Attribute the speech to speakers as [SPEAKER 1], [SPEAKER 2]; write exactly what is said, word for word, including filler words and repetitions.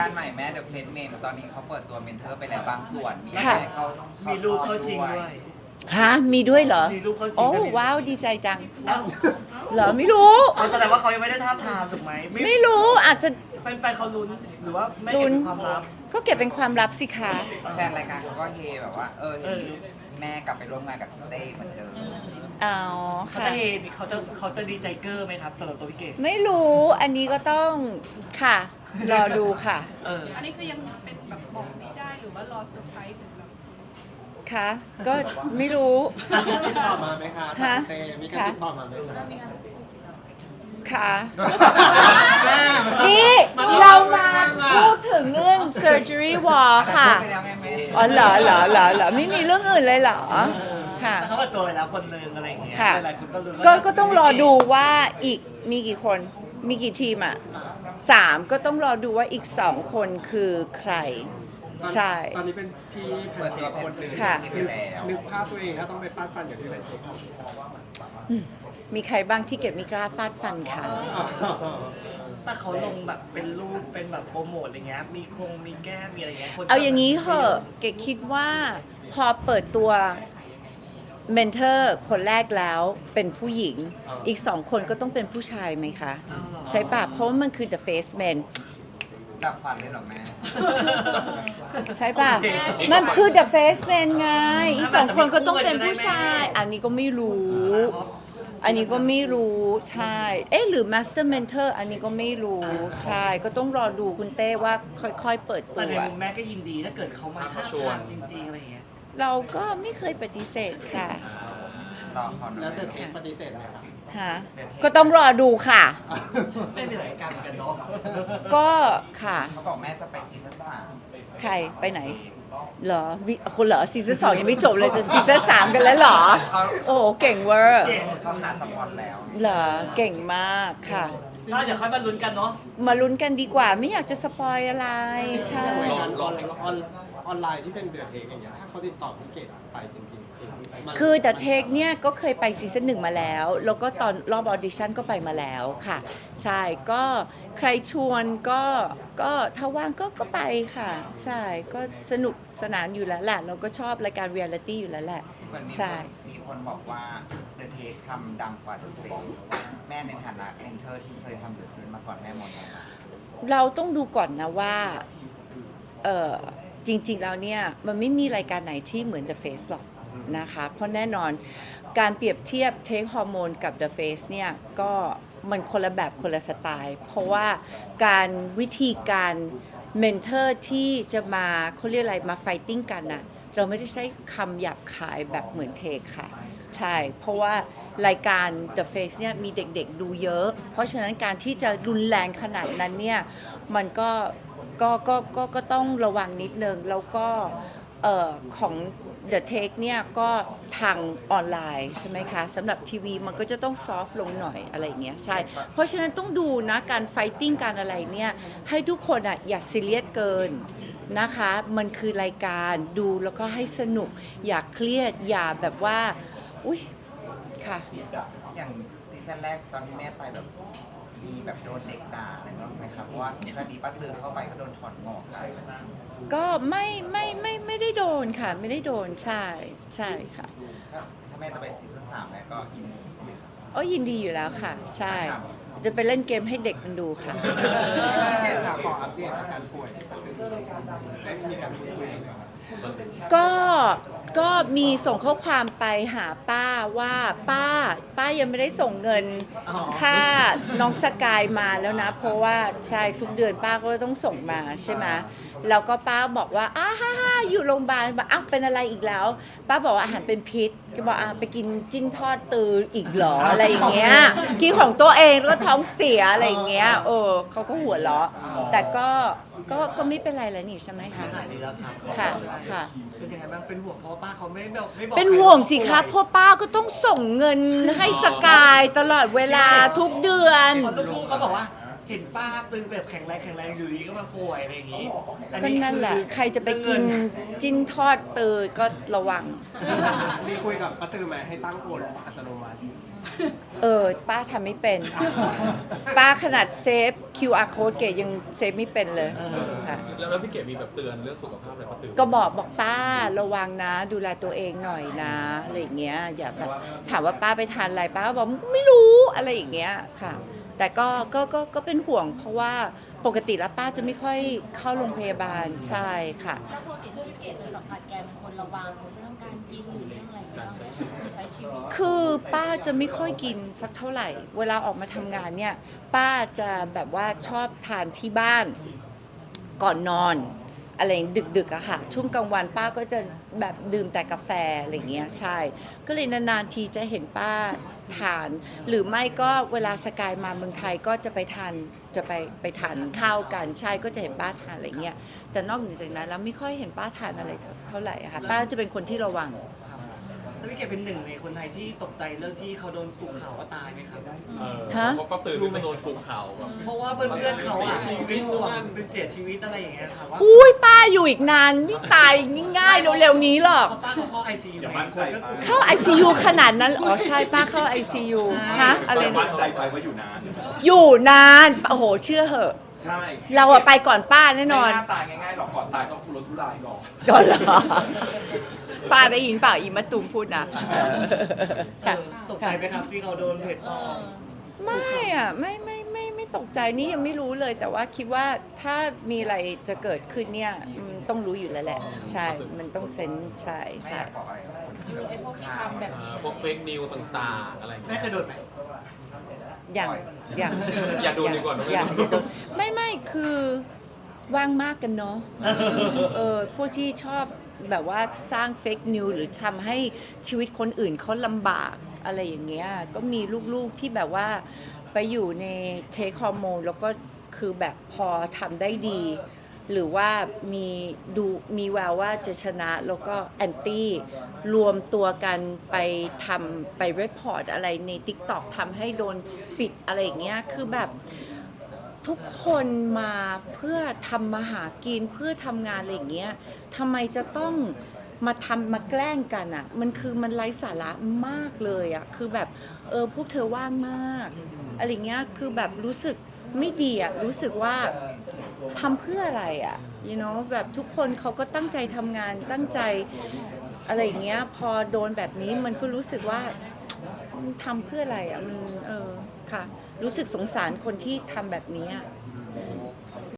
[SPEAKER 1] การใหม่แม่เดอะเฟสเมนตอนนี้เขาเปิดตัวเมนเทอร์ไปแล้วบางส่วนมี
[SPEAKER 2] ค่ะ
[SPEAKER 1] ให้เขา
[SPEAKER 3] มีลูกเข้าชิงด้วย
[SPEAKER 2] ฮะมีด้วยเหรอ
[SPEAKER 3] มีลูกเข้าชิง
[SPEAKER 2] โอ้
[SPEAKER 3] ด้วย
[SPEAKER 2] ว้าวดีใจจัง
[SPEAKER 3] อ้าว
[SPEAKER 2] เหรอไม่รู้
[SPEAKER 3] เอาแสดงว่าเขายังไม่ได้ท้าบทามถูกไหม
[SPEAKER 2] ไม่รู้อาจจะ
[SPEAKER 3] แฟนๆเขาลุ้นหรือว่าไม่เก็บเป็นความลับ
[SPEAKER 2] ก็เก็บเป็นความลับสิคะ
[SPEAKER 1] แฟนรายการเขาก็เฮแบบว่า เออ
[SPEAKER 3] เออ
[SPEAKER 1] แม่กลับไปร่วมงานกับพี่เต้เหมือนเดิม
[SPEAKER 2] อ๋อ
[SPEAKER 3] เขา
[SPEAKER 2] ค่ะ
[SPEAKER 3] จะเฮเขาจะเขาจะดีใจเกอร์ไหมครับสำหรับตัวพี่เกด
[SPEAKER 2] ไม่รู้อันนี้ก็ต้องค่ะ รอดูค่ะ
[SPEAKER 3] เออ
[SPEAKER 4] อันนี้คือยังเป็นแบบบอกไม่ได้หรือว่ารอเซอร์ไพรส์ถึงแบบ
[SPEAKER 2] ค่ะ ก็ไม่รู้
[SPEAKER 5] มีการติดต่อมาไหมคะ
[SPEAKER 2] ฮะ
[SPEAKER 5] เตมีการติดต่อมาไหมคะ
[SPEAKER 2] ค่ะ
[SPEAKER 5] แม่
[SPEAKER 2] นี่เรามาพูดถึงเรื่อง surgery wall ค่ะ
[SPEAKER 1] ไปแล้วแม่แม่
[SPEAKER 2] อ๋อเหรอเหรอเหรอเหรอไม่มีเรื่องอื่นเลยเหรอ ค่ะ
[SPEAKER 3] แต่เขาเปิดตัวไปแล้วคนหนึงอะไรอย่างเงี้ย
[SPEAKER 2] ค่ะ
[SPEAKER 3] หลายๆคนก็ลุ้นว่า
[SPEAKER 2] ก็ก็ต้องรอดูว่าอีกมีกี่คนมีกี่ทีมอ่ะสามก็ต้องรอดูว่าอีกสองคนคือใคร ใช่
[SPEAKER 5] ตอนนี้เป็นพี่แพนเค้กคนหนึ่ง
[SPEAKER 2] ค่ะ
[SPEAKER 5] นึกนึกภาพตัวเองถ้าต้องไปฟาดฟันอย่างที่แพนเค้ก
[SPEAKER 2] อืมมีใครบ้างที่เก็บไม่กล้าฟาดฟันค่ะ
[SPEAKER 3] แต่เขาลงแบบเป็นรูปเป็นแบบโปรโมทอะไรเงี้ยมีคงมีแก้มมีอะไรเงี้ยคน
[SPEAKER 2] เอาอย่างนี้เหอะเกดคิดว่าพอเปิดตัวเมนเทอร์คนแรกแล้วเป็นผู้หญิง อีกสองคนก็ต้องเป็นผู้ชายไหมคะ ใช่ปะเพราะว่ามันคือ the face man
[SPEAKER 1] จับฟันเลยเหรอแม่
[SPEAKER 2] ใช่ป่ะ มันคือ the face man ไง อีกสองคนก็ต้องเป็นผู้ชาย อันนี้ก็ไม่รู้ อันนี้ก็ไม่รู้ ใช่ เอ๊ะหรือ master mentor อันนี้ก็ไม่รู้ ใช่ ก็ต้องรอดูคุณเต้ว่าค่อยๆ เปิดตั
[SPEAKER 3] แต่ใน
[SPEAKER 2] ว
[SPEAKER 3] มุมแม่ก็ยินดีถ้าเกิดเขามาท้าบทามจริงๆอะไรเงี้ย
[SPEAKER 2] เราก็ไม่เคยปฏิเสธค่ะ
[SPEAKER 1] รอเขาหน่
[SPEAKER 5] แล้
[SPEAKER 1] อ
[SPEAKER 5] วย เดอะเค้กปฏิเสธไหมคะ
[SPEAKER 2] ฮะ ก็ต้องรอดูค่ะ
[SPEAKER 3] ไม่มีหลายการเหมือนกันเนาะ
[SPEAKER 2] ก็ค่ะ
[SPEAKER 1] เขาบอกแม่จะไปซีซั่นสาม
[SPEAKER 2] ใครไปไหน เหรอวิคนเหรอซีซั่นสองยังไม่จบเลยจะซีซั่นสามกันแล้วเหรอ โอ้โหเก่งเวอร์
[SPEAKER 1] เขาหาสปอนแล้ว
[SPEAKER 2] เหรอเก่งมากค่ะ
[SPEAKER 3] ถ้าเดี๋ยวค่อยมาลุ้นกันเนาะ
[SPEAKER 2] มาลุ้นกันดีกว่าไม่อยากจะสปอยอะไร ใช่
[SPEAKER 5] รายการออนออนออนไลน์ที่เป็นเดอะเค้กอย่างเงี้ยถ้าเขาติดต่อพี่เกดไปจริงๆคือมัน
[SPEAKER 2] คือ The Take เนี่ยก็เคยไปซีซั่นหนึ่งมาแล้ว แล้วก็ตอนรอบออดิชั่นก็ไปมาแล้วค่ะ ใช่ก็ใครชวนก็ก็ถ้าว่างก็ก็ไปค่ะ ใช่ก็สนุกสนานอยู่แล้วแหละเราก็ชอบรายการเรียลลิตี้อยู่แล้วแหละ
[SPEAKER 1] เหมือนมี
[SPEAKER 2] ใช่
[SPEAKER 1] คนมีคนบอกว่าเดอะเทสทำดังกว่าเดอะเฟสแม่ในฐานะเมนเทอร์ที่เคยทำเดอะเฟสมาก่อนแม่หมดเลย
[SPEAKER 2] เราต้องดูก่อนนะว่าเออจริงๆแล้วเนี่ยมันไม่มีรายการไหนที่เหมือน The Face หรอกนะคะ เพราะแน่นอนการเปรียบเทียบเทคฮอร์โมนกับ The Face เนี่ยก็มันคนละแบบคนละสไตล์ เพราะว่าการวิธีการเมนเทอร์ที่จะมาเขาเรียกอะไรมาไฟติ้งกันน่ะเราไม่ได้ใช้คำหยาบคายแบบเหมือนเทคค่ะ ใช่ เพราะว่ารายการ The Face เนี่ยมีเด็กๆดูเยอะ เพราะฉะนั้นการที่จะรุนแรงขนาดนั้นเนี่ยมันก็ก็ก็ก็ก็ต้องระวังนิดนึง แล้วก็เอ่อของ The Take เนี่ยก็ทางออนไลน์ใช่ไหมคะสำหรับทีวีมันก็จะต้องซอฟต์ลงหน่อยอะไรอย่างเงี้ยใช่ เพราะฉะนั้นต้องดูนะการไฟติ้งการอะไรเนี่ยให้ทุกคนอ่ะอย่าซีเรียสเกินนะคะ มันคือรายการดูแล้วก็ให้สนุกอย่าเครียดอย่าแบบว่าอุ๊ยค่ะ
[SPEAKER 1] อย่างซีซั่นแรกตอนที่แม่ไปแบบมีแบบโดนเด็กด่าอะไรบ้างไหมครับเพราะว่าซีซั่นนี้ป้าตือเข้าไปก็โดนถอนงอกกัน
[SPEAKER 2] ก็ไม่ไม่ไม่ไม่ได้โดนค่ะ ไม่ได้โดนใช่ใช่ค่ะ
[SPEAKER 1] ถ้าถ้าแม่จะไปซีซั่นสามแม่ก็ยินดีใช่ไหมครับ
[SPEAKER 2] โอ้ยินดีอยู่แล้วค่ะ ใช่ จะไปเล่นเกมให้เด็กมันดูค่ะ
[SPEAKER 5] พี่เกดค่ะขออัปเดตอาการป่วยที่ปฏิเสธได้มีการพูดคุยกันไหมคะ
[SPEAKER 2] ก็ก็มีส่งข้อความไปหาป้าว่าป้า ป้ายังไม่ได้ส่งเงินค่าน้องสกายมาแล้วนะ เพราะว่าใช่ทุกเดือนป้าก็ต้องส่งมาใช่ไหมแล้วก็ป้าบอกว่าอ้าฮ่าฮ่าอยู่โรงพยาบาลบอกอ้าวเป็นอะไรอีกแล้ว ป้าบอกว่าอาหารเป็นพิษก็บอกอ่ะไปกินจิ้นทอดตืออีกเหรออะไรอย่างเงี้ยกินของตัวเองแล้วก็ท้องเสียอะไรอย่างเงี้ยเออเขาก็หัวเราะแต่ก็ก็ก็ไม่เป็นไรแล้วนี่ใช่ไหมคะ
[SPEAKER 3] หายดีแล้วครับ
[SPEAKER 2] ค่ะค่ะ
[SPEAKER 3] เป็นยังไงบ้างเป็นห่วงเพราะว่าป้าเขาไม่บอกไม่บอก
[SPEAKER 2] เป็นห่วงสิคะเพราะป้าก็ต้องส่งเงินให้สกายตลอดเวลาทุกเดือน
[SPEAKER 3] พอลูกๆเขาบอกว่าเห็นป้าตึงแบบแข็งแรงแข็งแรงอยู่ดีก็มาป่วยอะไรอย่างนี้อั
[SPEAKER 2] ก็นั่นแหละ
[SPEAKER 3] คือ
[SPEAKER 2] ใครจะไปกินจิ้นทอดเตยก็ระวัง
[SPEAKER 5] มีคุยกับป้าตือไหมให้ตั้งโอนอัตโนมัติ
[SPEAKER 2] เออป้าทำไม่เป็น ป้าขนาดเซฟ คิว อาร์ code เกดยังเซฟไม่เป็นเลยค่ะ
[SPEAKER 6] แล้วแล้วพี่เก๋มีแบบเตือนเรื่องสุขภาพอะไรป้าตือ
[SPEAKER 2] ก็บอกบอกป้าระวังนะ ดูแลตัวเองหน่อยนะอะไรอย่างเงี้ยอย่าแบบถามว่าป้าไปทานอะไรป้าก็บอกไม่รู้อะไรอย่างเงี้ยค่ะ แต่ก็ก็ก็ก็เป็นห่วงเพราะว่าปกติแล้วป้าจะไม่ค่อยเข้าโรงพยาบาลใช่ค่ะ
[SPEAKER 7] ถ้าปกติที่เกดเคยสัมผัสแกเป็นคนระวังเรื่องการกินหรือเรื่องอะไรอย่างเงี้ยคือใช้ชีวิต
[SPEAKER 2] คือป้าจะไม่ค่อยกินสักเท่าไหร่ เวลาออกมาทำงานเนี่ย ป้าจะแบบว่าชอบทานที่บ้านก่อนนอน อะไรดึกๆอะค่ะ ช่วงกลางวันป้าก็จะแบบดื่มแต่กาแฟอะไรเงี้ยใช่ ก็เลยนานๆทีจะเห็นป้าทาน หรือไม่ก็เวลาสกายมาเมืองไทยก็จะไปทานจะไปไปทานข้าวกันใช่ก็จะเห็นป้าทานอะไรเงี้ยแต่นอกเหนือจากนั้นแล้วไม่ค่อยเห็นป้าทานอะไรเท่าไหร่อะค่ะป้าจะเป็นคนที่ระวัง
[SPEAKER 3] ครับแล้วพี่เกดเป็นหนึ่งในคนไทยที่ตกใจเรื่องที่เขาโดนกุข่าวว่าตายไหมครับ
[SPEAKER 6] เออ
[SPEAKER 2] ฮะ
[SPEAKER 6] เพราะป้าตือเป็นคนโดนปลุกข่าวแบบ
[SPEAKER 3] เพราะว่าเพื่อนๆเขาอ่ะเป็นห่วงเป็นเสียชีวิตอะไรอย่างเงี้ยค่ะว่า
[SPEAKER 2] อุ้ยป้าอยู่อีกนานไม่ตายง่ายๆเร็วๆนี้หรอก
[SPEAKER 3] เพราะป้าเขาเข้าไอซียูไงคนก็กลัว
[SPEAKER 2] เข้า ไอ ซี ยู ขนาดนั้น อ๋อ ใช่ป้าเข้า ไอ ซี ยู ฮะ อะไร
[SPEAKER 6] มั่
[SPEAKER 2] นะ
[SPEAKER 6] นใจไปว่าอยู่นาน
[SPEAKER 2] อยู่นาน โอ้โห เชื่อเหอะ
[SPEAKER 6] ใช่
[SPEAKER 2] เราอะไปก่อนป้าแน่นอน
[SPEAKER 6] ไม่น่าตายง่ายๆหรอกก่อนตายต้องทุรนทุรายก่อน
[SPEAKER 2] จนเหรอ ป้าได้ยินเปล่าอีมะตูมพูดนะเออค่ะ
[SPEAKER 3] ตกใจไหมครับที่เขาโดนเพจปลอม
[SPEAKER 2] ไม่อะไม่ไม่ไม่ไม่ตกใจนี่ยังไม่รู้เลย แต่ว่าคิดว่าถ้ามีอะไรจะเกิดขึ้นเนี่ยอืมต้องรู้อยู่แล้วแหละ ใช่ มันต้องเซนส์ใช่
[SPEAKER 1] ไม่อ
[SPEAKER 2] ใช่
[SPEAKER 1] ยากบอกอะไรกับคนที่แบบ
[SPEAKER 7] ไอ้พวกที่ทำแบบนี้
[SPEAKER 6] พวกเฟกนิวต่างๆ อะไรอย่างเงี้ย
[SPEAKER 3] ไม่เคยโดนไหม
[SPEAKER 2] อย่างอย่าง
[SPEAKER 6] อย่าโดนดีกว่า
[SPEAKER 2] อย่าง
[SPEAKER 6] ไม่
[SPEAKER 2] อย่า
[SPEAKER 6] โด
[SPEAKER 2] โด
[SPEAKER 6] น
[SPEAKER 2] นไม่ไม่คือว่างมากกันเนาะเออพวกที่ชอบแบบว่าสร้างเฟกนิวหรือทำให้ชีวิตคนอื่นเขาลำบากอะไรอย่างเงี้ยก็มีลูกๆที่แบบว่าไปอยู่ในเทคฮอร์โมนแล้วก็คือแบบพอทำได้ดี หรือว่ามีดูมีแววว่าจะชนะแล้วก็แอนตี้รวมตัวกันไปทำไปรีพอร์ตอะไรใน TikTok ทำให้โดนปิดอะไรอย่างเงี้ยคือแบบทุกคนมาเพื่อทำมาหากินเพื่อทำงานอะไรอย่างเงี้ยทำไมจะต้องมาทำมาแกล้งกันอ่ะมันคือมันไร้สาระมากเลยอ่ะคือแบบเออพวกเธอว่างมากอะไรเงี้ยคือแบบรู้สึกไม่ดีอ่ะรู้สึกว่าทำเพื่ออะไรอ่ะ you know แบบทุกคนเขาก็ตั้งใจทำงานตั้งใจอะไรอย่างเงี้ยพอโดนแบบนี้มันก็รู้สึกว่ามันทำเพื่ออะไรอ่ะมันเออค่ะรู้สึกสงสารคนที่ทำแบบนี้อะ